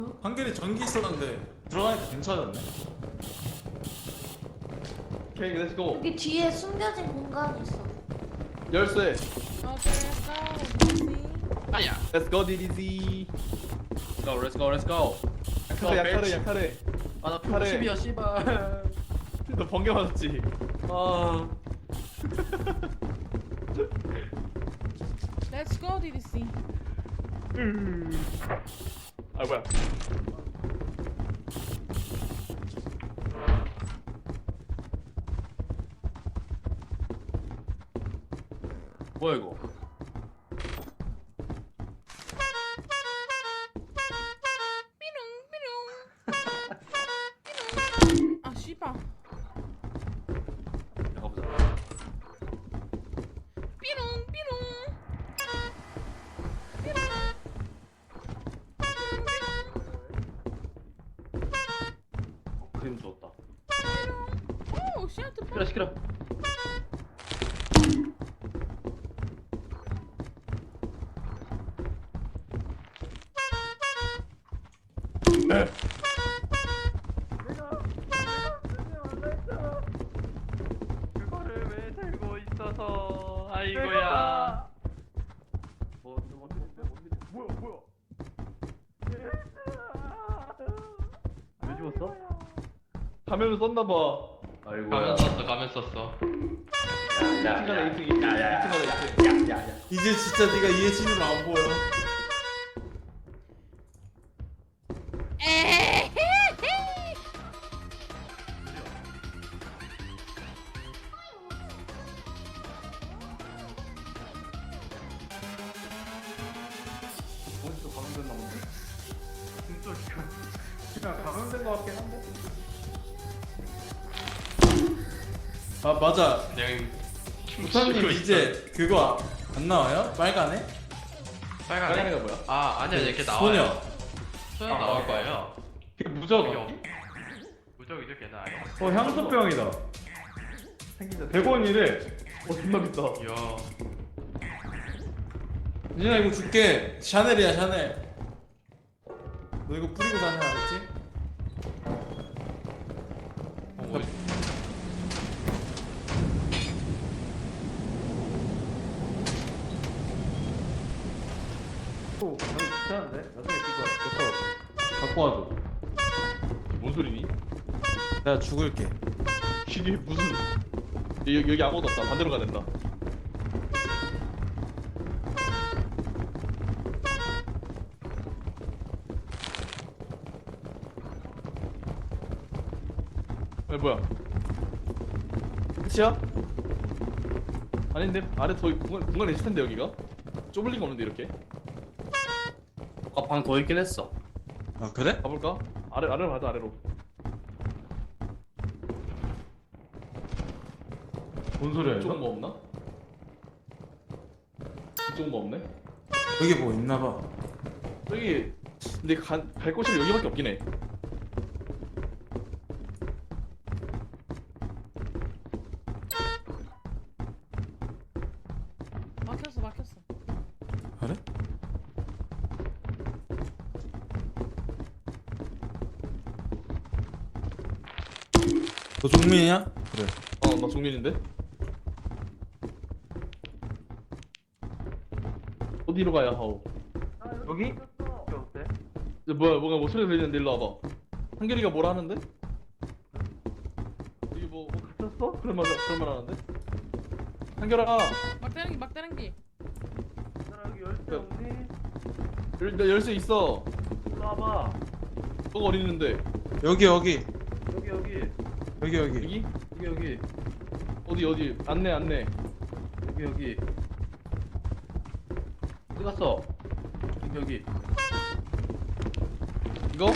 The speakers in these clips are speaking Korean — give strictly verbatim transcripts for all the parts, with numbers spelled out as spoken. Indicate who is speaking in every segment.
Speaker 1: 한결이 전기 있었는데 들어가니까 괜찮았네.
Speaker 2: 오케이, 렛츠고.
Speaker 3: 여기 뒤에 숨겨진 공간이 있어.
Speaker 2: 열쇠.
Speaker 4: 아야.
Speaker 2: Let's go, 디디지.
Speaker 4: Let's go, let's go, let's go.
Speaker 2: 약하래, 약하래, 약하래.
Speaker 4: 아나
Speaker 2: 팔에.
Speaker 4: 십이야 씨발.
Speaker 2: 너 번개 맞았지?
Speaker 4: 아.
Speaker 5: Let's go, 디디씨.
Speaker 2: 아, 뭐야.
Speaker 4: 뭐야 이거?
Speaker 5: 아, 씨발.
Speaker 4: 가보자.
Speaker 5: 삐롱, 삐롱.
Speaker 4: 어, 그림 좋았다.
Speaker 5: 오, 씨한테
Speaker 4: 시끄러 시끄러. 그거를 왜 들고 있어서 아이고야. 뭐, 뭐, 뭐, 뭐야 뭐야? 왜 죽었어?
Speaker 2: 가면을 썼나봐.
Speaker 4: 아이고야.
Speaker 6: 가면 썼어 가면 썼어
Speaker 2: 이 층 가자, 이 층, 이 층. 이 층 가자, 이 층.
Speaker 1: 이제 진짜 네가 이해진으로 안 보여.
Speaker 4: 어디서 감염됐나 본데?
Speaker 1: 그냥 감염된 것 같긴 한데. 아 맞아.
Speaker 6: 그냥
Speaker 1: 부사님 이제 그거 안 나와요? 빨간에?
Speaker 6: 빨간에?
Speaker 2: 빨간애가 뭐야?
Speaker 6: 아 아니야 이렇게 나와요
Speaker 1: 소녀.
Speaker 6: 소녀 나올 거예요
Speaker 1: 그게 무적.
Speaker 6: 무적이죠 걔는 아예
Speaker 1: 어 향수병이다.
Speaker 2: 생긴다.
Speaker 1: 백 원이래.
Speaker 2: 어, 존나 비싸.
Speaker 6: 이야
Speaker 1: 니나 이거 줄게. 샤넬이야 샤넬. 너 이거 뿌리고 다녀 알았지?
Speaker 6: 어, 뭐,
Speaker 1: 또 너무 귀찮은데? 나중에 이거 내거 갖고 와줘.
Speaker 2: 뭔 소리니?
Speaker 1: 내가 죽을게.
Speaker 2: 이게 무슨. 여기, 여기 아무것도 없다. 반대로 가야 된다. 왜 뭐야? 끝이야? 아닌데 아래 더 공간 공간이 있을 텐데 여기가 좁을 리가 없는데 이렇게
Speaker 4: 아, 방 더 있긴 했어.
Speaker 1: 아 그래?
Speaker 2: 가볼까? 아래 아래로 가자 아래로.
Speaker 1: 뭔 소리야
Speaker 2: 이쪽은
Speaker 1: 이거?
Speaker 2: 뭐 없나? 이쪽은 뭐 없네?
Speaker 1: 여기 뭐 있나봐.
Speaker 2: 저기 근데 간, 갈 곳이 여기밖에 없긴 해.
Speaker 5: 막혔어, 막혔어.
Speaker 1: 그래? 너 종민이야? 그래.
Speaker 2: 어 나 종민인데. 어디로 가야 하오?
Speaker 4: 여기?
Speaker 2: 이제 뭐야 뭐가 뭐 소리 들리는데 일로 와봐. 한결이가 뭐라 하는데? 여기 뭐, 뭐 갇혔어? 그런 말 그런 말 하는데? 한결아
Speaker 5: 막다른 기, 막다른 기.
Speaker 2: 열, 나 열쇠 있어.
Speaker 4: 일로 와봐.
Speaker 2: 너가 어디 있는데?
Speaker 1: 여기 여기
Speaker 4: 여기 여기
Speaker 1: 여기 여기.
Speaker 2: 여기?
Speaker 4: 여기 여기
Speaker 2: 어디 어디? 안내 안내.
Speaker 4: 여기 여기. 어디 갔어? 여기 여기.
Speaker 2: 이거?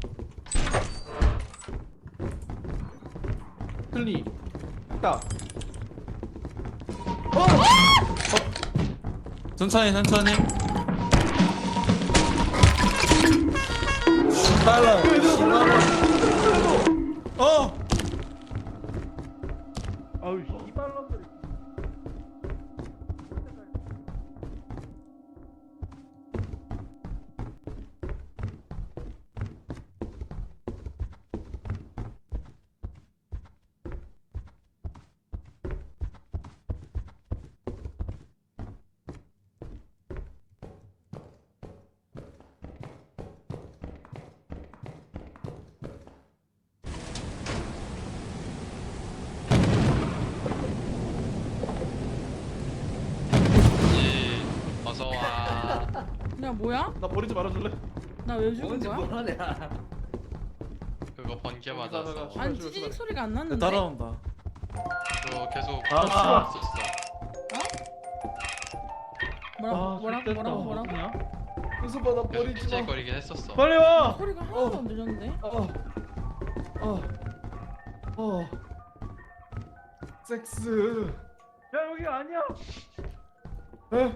Speaker 2: 틀리. 딱.
Speaker 1: 천천히 천천히. 빨라. 어.
Speaker 2: 아우 씨발놈들.
Speaker 5: 야 뭐야?
Speaker 2: 나 버리지 말아줄래?
Speaker 5: 나 왜 죽은
Speaker 4: 뭔지
Speaker 5: 거야?
Speaker 4: 뭐하냐?
Speaker 6: 그거 번개
Speaker 2: 나가,
Speaker 6: 맞아서
Speaker 2: 나가.
Speaker 5: 아니
Speaker 2: 출발,
Speaker 5: 찌직
Speaker 2: 출발.
Speaker 5: 소리가 안
Speaker 1: 내
Speaker 5: 났는데.
Speaker 1: 따라온다.
Speaker 6: 그거 계속
Speaker 1: 아,
Speaker 6: 있었어.
Speaker 5: 뭐라고
Speaker 2: 아,
Speaker 5: 뭐라고
Speaker 2: 됐다.
Speaker 5: 뭐라고 뭐라고?
Speaker 2: 어떡하냐? 은수봐 나
Speaker 6: 계속
Speaker 2: 버리지 마.
Speaker 6: 찌질거리긴 했었어.
Speaker 2: 빨리 와.
Speaker 5: 소리가 하나도 안 들렸는데.
Speaker 2: 어. 어. 어. 섹스. 야 여기 아니야. 에?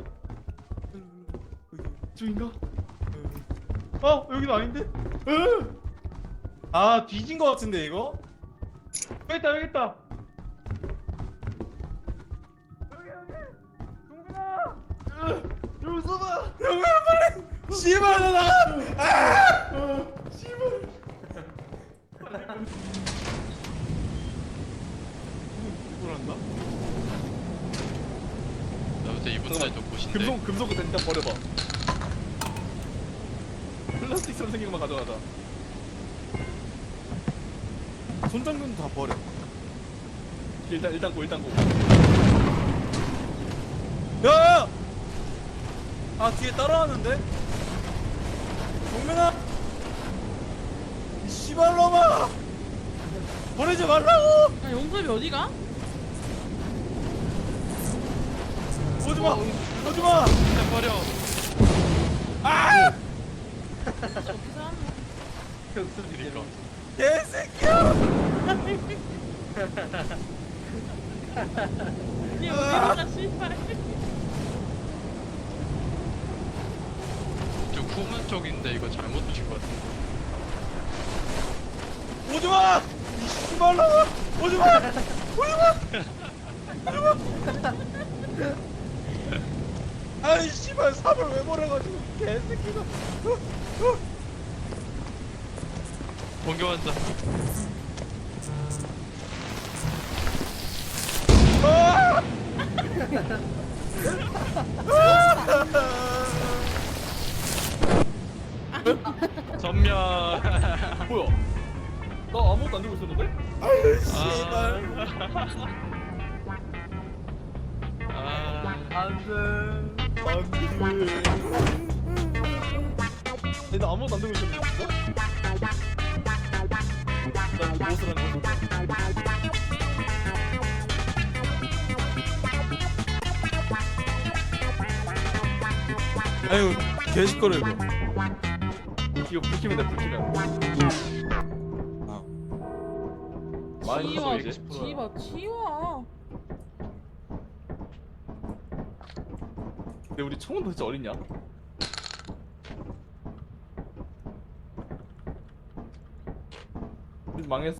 Speaker 2: 저인가? 어 여기도 아닌데? 에?
Speaker 1: 아 뒤진 거 같은데 이거?
Speaker 2: 여기 있다 여기 있다. 여기 여기. 동근아. 여기 서봐.
Speaker 1: 영우야 빨리! 씨발 나 나가! 아! 씨발.
Speaker 2: 이걸 한다?
Speaker 6: 나 그때 이분 날좀 보신데.
Speaker 2: 금속 금속 일단 버려봐. 플라스틱처럼 생긴 것만 가져가자.
Speaker 1: 손장군 다 버려.
Speaker 2: 일단 일단 고 일단 고.
Speaker 1: 야야! 아 뒤에 따라왔는데? 동민아! 이 씨발놈아! 버리지 말라고!
Speaker 5: 야 용섭이 어디가?
Speaker 1: 오지마! 오지마!
Speaker 6: 그냥 버려.
Speaker 1: 아!
Speaker 5: 어떻게 살았노?
Speaker 6: 그러니까.
Speaker 1: 개새끼야!
Speaker 5: 얘 어디가 씨발.
Speaker 6: 좀 후문 쪽인데 이거 잘못 두신 것 같은데.
Speaker 1: 오지마! 이 씨발놈아! 오지마! 오지마! 오지마! 아이 씨발 삽을 왜 버려가지고 개새끼가. 어, 어.
Speaker 6: 번개 환자.
Speaker 1: 아!
Speaker 6: 전면.
Speaker 2: 뭐야? 나 아무것도 안 들고 있었는데?
Speaker 1: 아유 씨발.
Speaker 6: 아.
Speaker 4: 안돼.
Speaker 1: 안돼.
Speaker 2: 얘, 나 아무것도 안 들고 있었는데 진짜? 나 이거 무엇을 하는 거야?
Speaker 1: 아유 개시끄러 이거.
Speaker 2: 이거 불키면 돼 불키면.
Speaker 1: 아.
Speaker 2: 많이
Speaker 5: 지워
Speaker 2: 컸어, 이제.
Speaker 5: 지워 지워.
Speaker 2: 근데 우리 총은 도대체 어딨냐? 우리 망했어.